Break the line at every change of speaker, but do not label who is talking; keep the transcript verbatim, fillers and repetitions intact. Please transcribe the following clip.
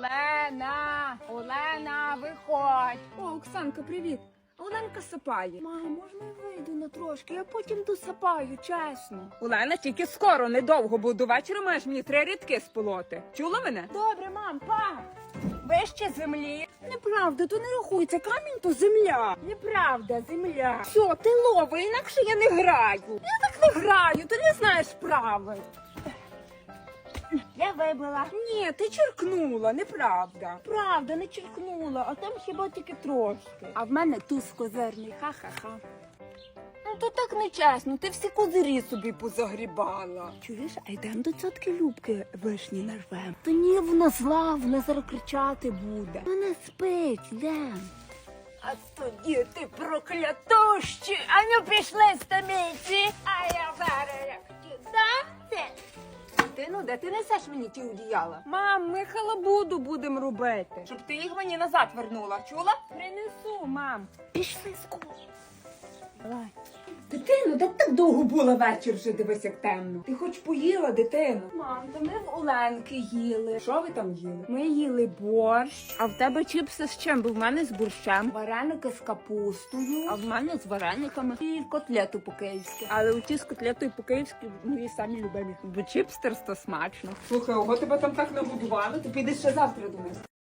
Олена, Олена, виходь. О, Оксанка, привіт. Оленка сапає. Мама, можна я вийду на трошки? Я потім досапаю, чесно. Олена, тільки скоро, недовго, бо до вечора маєш мені три рядки сполоти. Чула мене? Добре, мам, па. Вище землі. Неправда, то не рахується. Камінь то земля. Неправда, земля. Все, ти лови, інакше я не граю. Я так не граю, ти не знаєш правил. Я вибила. Ні, ти черкнула, неправда. Правда, не черкнула, а там хіба тільки трошки. А в мене туз козирний, ха-ха-ха. Ну то так нечесно, ти всі козирі собі позагрібала. Чуєш, а йдемо до цьотки Любки вишні нарвем. Та ні, вона зла, вона зараз кричати буде. Вона спить, йдем. А тоді ти проклятущі, а ну пішли стаміці, а я зараз як ті дати. Ти, ну, де ти несеш мені ті одіяла? Мам, ми халабуду будемо робити. Щоб ти їх мені назад вернула, чула? Принесу, мам. Пішли скоро. Давай. Дитино, де ти так довго була вечір вже, дивись, як темно. Ти хоч поїла, дитино? Мам, то ми в Оленки їли. Що ви там їли? Ми їли борщ. А в тебе чіпси з чим? Бо в мене з борщем. Вареники з капустою. А в мене з варениками. І котлету по-київськи. Але оті з котлетою по-київськи мої самі любимі. Бо чіпстерс то смачно. Слухай, ого, тебе там так нагодували, ти підеш ще завтра до нас.